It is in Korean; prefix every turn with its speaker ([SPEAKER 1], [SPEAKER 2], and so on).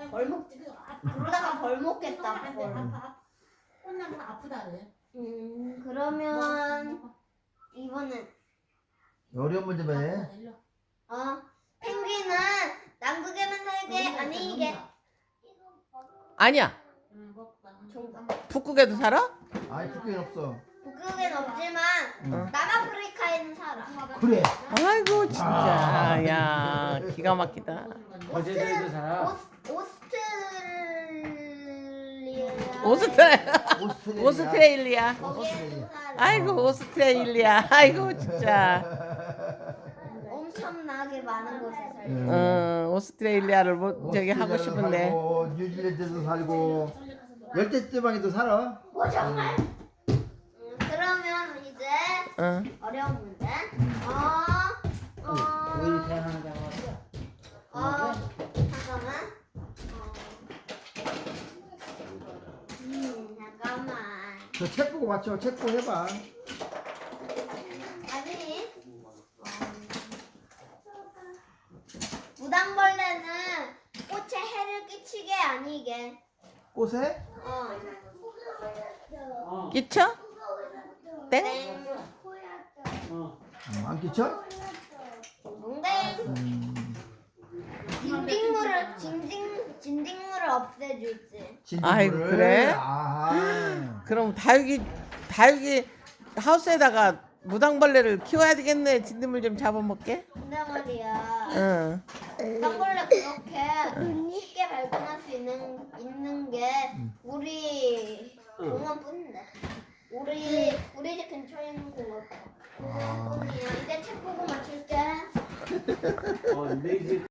[SPEAKER 1] 벌 먹지. 그러다가 벌 먹겠다. 벌.
[SPEAKER 2] 혼나면 아프다 그래.
[SPEAKER 1] 그러면 이번엔
[SPEAKER 3] 어려운 문제 해.
[SPEAKER 1] 펭귄은 남극에만 살게 아니 이게
[SPEAKER 4] 아니야. 북극에도 살아?
[SPEAKER 3] 아이 북극엔 없어.
[SPEAKER 1] 북극엔 없지만 남아프리카에는 살아.
[SPEAKER 3] 그래.
[SPEAKER 4] 아이고 진짜 야 기가 막히다.
[SPEAKER 5] 거제도에도 살아. 오스트레일리아.
[SPEAKER 4] 오스트레일리아.
[SPEAKER 1] 거기에도 살아.
[SPEAKER 4] 아이고 오스트레일리아. 아이고 진짜.
[SPEAKER 1] 엄청나게 많은 곳에 살아.
[SPEAKER 4] 오스트레일리아를 뭐 저기 하고 싶은데.
[SPEAKER 3] 살고, 뉴질랜드도 살고 열대 지방에도 살아.
[SPEAKER 1] 정말. 그러면 이제 어려운 문제.
[SPEAKER 5] 우리 태어난 장
[SPEAKER 1] 잠깐만. 잠깐만.
[SPEAKER 3] 저 책 보고 맞춰. 책 보고 해봐.
[SPEAKER 1] 아니. 무당벌레는 꽃에 해를 끼치게 아니게.
[SPEAKER 3] 꽃에?
[SPEAKER 4] 끼쳐? 땡?
[SPEAKER 1] 땡.
[SPEAKER 3] 안 끼쳐?
[SPEAKER 1] 땡. 진딧물을 없애주지.
[SPEAKER 4] 아이고, 그래?
[SPEAKER 3] 아.
[SPEAKER 4] 그럼 다육이 하우스에다가 무당벌레를 키워야 되겠네. 진드물 좀 잡아먹게.
[SPEAKER 1] 근데 말이야.
[SPEAKER 4] 응.
[SPEAKER 1] 무당벌레 그렇게 쉽게 발견할 수 있는 게 우리 공원뿐인데. 우리 집 근처에 있는 공원.
[SPEAKER 3] 아.
[SPEAKER 1] 뿐이야. 이제 책 보고 맞출게.
[SPEAKER 5] 내